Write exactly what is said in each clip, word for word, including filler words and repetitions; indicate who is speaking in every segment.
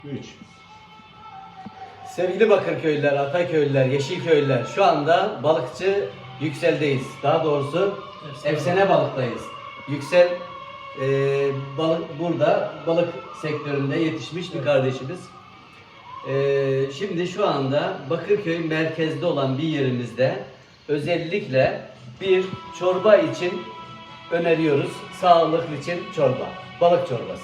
Speaker 1: üç.
Speaker 2: Sevgili Bakırköylüler, Ataköylüler, Yeşilköylüler, şu anda balıkçı Yüksel'deyiz. Daha doğrusu
Speaker 3: Efsane,
Speaker 2: Efsane Balık'tayız. Yüksel e, balık burada balık sektöründe yetişmiş bir kardeşimiz. E, şimdi şu anda Bakırköy merkezde olan bir yerimizde özellikle bir çorba için öneriyoruz. Sağlıklı için çorba, balık çorbası.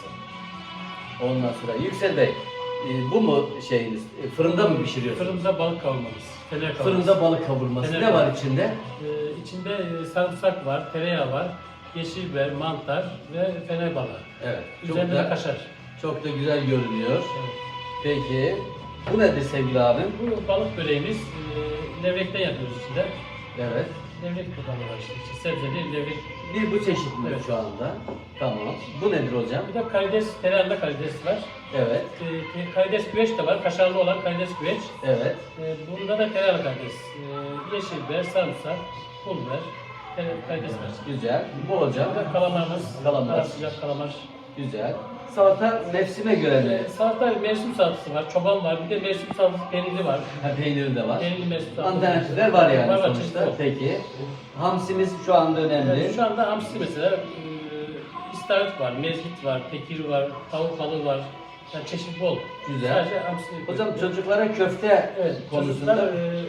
Speaker 2: Ondan sonra Yüksel Bey, e, bu mu şeyiniz? E, fırında mı pişiriyorsunuz?
Speaker 3: Fırında balık kavurmamız. Fene kavurması.
Speaker 2: Fırında balık kavurması.
Speaker 3: Fene
Speaker 2: Ne var
Speaker 3: kavurması.
Speaker 2: içinde?
Speaker 3: Ee, içinde e, sarımsak var, tereyağı var, yeşil biber, mantar ve fene balığı.
Speaker 2: Evet. Çok
Speaker 3: Üzerinde de
Speaker 2: da,
Speaker 3: kaşar.
Speaker 2: çok da güzel görünüyor.
Speaker 3: Evet.
Speaker 2: Peki, bu nedir sevgili abim?
Speaker 3: Bu balık böreğimiz e, levrekten yapıyoruz içinde.
Speaker 2: Evet.
Speaker 3: Levrek kullanıyorlar işte. işte sebze değil, levrek.
Speaker 2: Bir bu çeşit mi
Speaker 3: Evet.
Speaker 2: şu anda? Tamam. Bu nedir hocam?
Speaker 3: Bir de karides, tereyağında karides var.
Speaker 2: Evet.
Speaker 3: E, e, karides güveç de var, kaşarlı olan karides güveç.
Speaker 2: Evet.
Speaker 3: E, bunda da tereyağlı karides. E, yeşil biber, sarımsak, pul biber, tere- karides var.
Speaker 2: Güzel. Bu hocam.
Speaker 3: Bir de kalamarımız,
Speaker 2: Kalamar.
Speaker 3: ara sıcak kalamar.
Speaker 2: Güzel. Salata mevsime göre mi?
Speaker 3: E, salata mevsim salatası var, çoban var, bir de mevsim salatası peynirli var.
Speaker 2: Ha, peyniri de var.
Speaker 3: Peynirli mevsim salatası.
Speaker 2: Alternatifler var yani
Speaker 3: Var, var,
Speaker 2: sonuçta.
Speaker 3: çeşitli var.
Speaker 2: Peki. Hamsimiz şu anda önemli.
Speaker 3: Yani şu anda hamsi mesela, e, istavrit var, mezgit var, tekir var, tavuk balığı var. Yani çeşit bol.
Speaker 2: Güzel.
Speaker 3: Sadece hamsi.
Speaker 2: Hocam çocuklara köfte
Speaker 3: evet,
Speaker 2: konusunda
Speaker 3: çocuklar, e,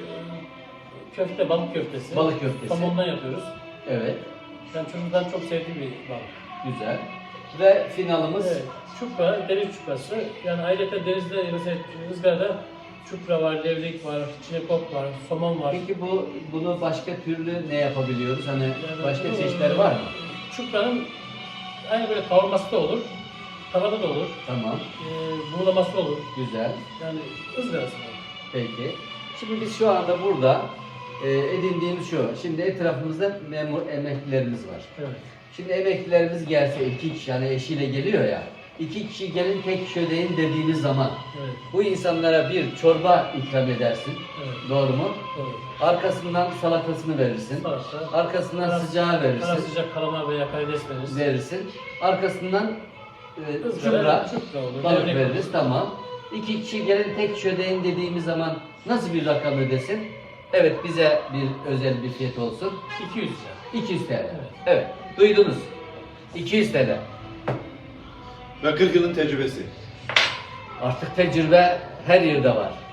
Speaker 3: köfte, balık köftesi.
Speaker 2: balık köftesi.
Speaker 3: Somondan yapıyoruz.
Speaker 2: Evet.
Speaker 3: Yani çocukların çok sevdiği bir balık.
Speaker 2: Güzel. Ve finalımız
Speaker 3: Evet, çupra, deniz çuprası. Yani ayrıca denizde mesela ızgarada çupra var, levrek var, çinekop var, somon var.
Speaker 2: Peki bu bunu başka türlü ne yapabiliyoruz? Hani
Speaker 3: Yani
Speaker 2: başka
Speaker 3: bu,
Speaker 2: çeşitleri var mı?
Speaker 3: Çupranın aynı böyle kavurması da olur, tavada da olur,
Speaker 2: Tamam.
Speaker 3: e, buğulaması olur.
Speaker 2: Güzel.
Speaker 3: Yani ızgarası var.
Speaker 2: Peki. Şimdi biz şu anda burada e, edindiğimiz şu. Şimdi etrafımızda memur emeklilerimiz var.
Speaker 3: Evet.
Speaker 2: Şimdi emeklilerimiz gelse iki kişi yani eşiyle geliyor ya. İki kişi gelin tek kişi ödeyin dediğimiz zaman
Speaker 3: Evet.
Speaker 2: bu insanlara bir çorba ikram edersin.
Speaker 3: Evet.
Speaker 2: Doğru mu?
Speaker 3: Doğru.
Speaker 2: Arkasından salatasını verirsin.
Speaker 3: Salata.
Speaker 2: Arkasından
Speaker 3: Kara-
Speaker 2: sıcağı
Speaker 3: Kara
Speaker 2: verirsin.
Speaker 3: sıcak kalamar veya karides veririz.
Speaker 2: Verirsin. Arkasından e,
Speaker 3: Izgara,
Speaker 2: çupra,
Speaker 3: çupra olur,
Speaker 2: balık
Speaker 3: levrek
Speaker 2: veririz.
Speaker 3: olur.
Speaker 2: Tamam. İki kişi gelin tek kişi ödeyin dediğimiz zaman nasıl bir rakam ödesin? Evet, bize bir özel bir fiyat olsun.
Speaker 3: iki yüz lira.
Speaker 2: iki yüz T L. Evet.
Speaker 3: Evet.
Speaker 2: Duydunuz. iki yüz T L.
Speaker 1: Ve kırk yılın tecrübesi.
Speaker 2: Artık tecrübe her yerde var.